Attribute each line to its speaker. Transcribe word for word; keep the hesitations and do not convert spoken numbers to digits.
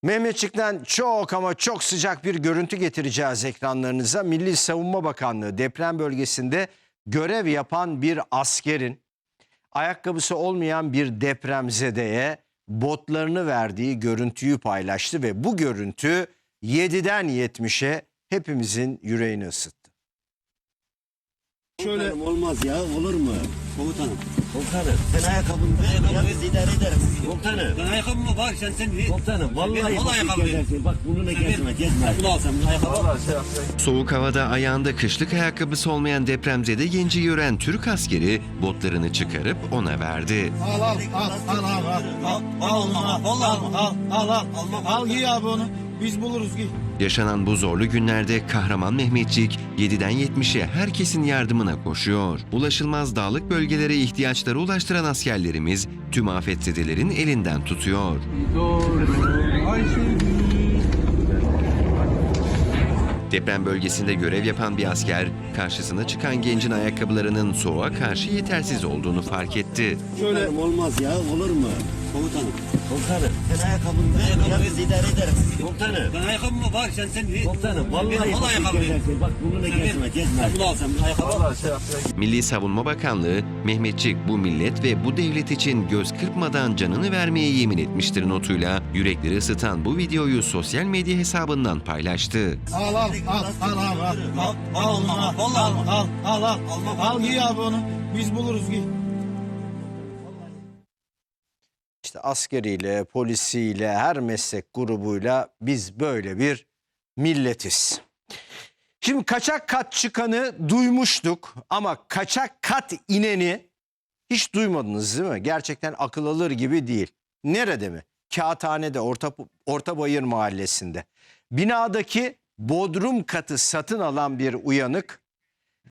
Speaker 1: Mehmetçik'ten çok ama çok sıcak bir görüntü getireceğiz ekranlarınıza. Milli Savunma Bakanlığı deprem bölgesinde görev yapan bir askerin ayakkabısı olmayan bir depremzedeye botlarını verdiği görüntüyü paylaştı ve bu görüntü yediden yetmişe hepimizin yüreğini ısıttı.
Speaker 2: Şöyle olmaz ya, olur mu? Komutanım. Komutanım, sen ayakkabını ver, biz idare ederiz. Komutanım.
Speaker 3: Ben ayakkabıma bak sen sen.
Speaker 2: Komutanım, vallahi
Speaker 3: Ben,
Speaker 2: bak
Speaker 3: ayakkabı
Speaker 2: gezersin. Bak bununla gezme, gezme.
Speaker 3: Bunu alsam ayakkabı.
Speaker 4: Soğuk havada ayağında kışlık ayakkabısı olmayan depremzede genci gören Türk askeri botlarını çıkarıp ona verdi.
Speaker 5: Al al al al al al al al al al al al al giy abi onu, biz buluruz, giy.
Speaker 4: Yaşanan bu zorlu günlerde kahraman Mehmetçik yediden yetmişe herkesin yardımına koşuyor. Ulaşılmaz dağlık bölgelere ihtiyaçları ulaştıran askerlerimiz tüm afetzedelerin elinden tutuyor. Deprem bölgesinde görev yapan bir asker karşısına çıkan gencin ayakkabılarının soğuğa karşı yetersiz olduğunu fark etti.
Speaker 2: Şöyle olmaz ya, olur mu? Komutanım. Komutanım, sen ayakkabını ver, biz idare ederiz. Komutanım.
Speaker 3: Ben ayakkabıma bak sen sen.
Speaker 2: Komutanım, vallahi
Speaker 3: Ben,
Speaker 2: bak
Speaker 3: ayakkabı.
Speaker 2: gezersin. Bak bununla gezme, gezme.
Speaker 3: Bunu alsam ayakkabı.
Speaker 4: Milli Savunma Bakanlığı, Mehmetçik bu millet ve bu devlet için göz kırpmadan canını vermeye yemin etmiştir notuyla yürekleri ısıtan bu videoyu sosyal medya hesabından paylaştı.
Speaker 5: Al al al al al al al al al al al al al giy abi onu, biz buluruz, giy.
Speaker 1: İşte askeriyle, polisiyle, her meslek grubuyla biz böyle bir milletiz. Şimdi kaçak kat çıkanı duymuştuk ama kaçak kat ineni hiç duymadınız değil mi? Gerçekten akıl alır gibi değil. Nerede mi? Kağıthane'de, Orta, Ortabayır Mahallesi'nde. Binadaki bodrum katı satın alan bir uyanık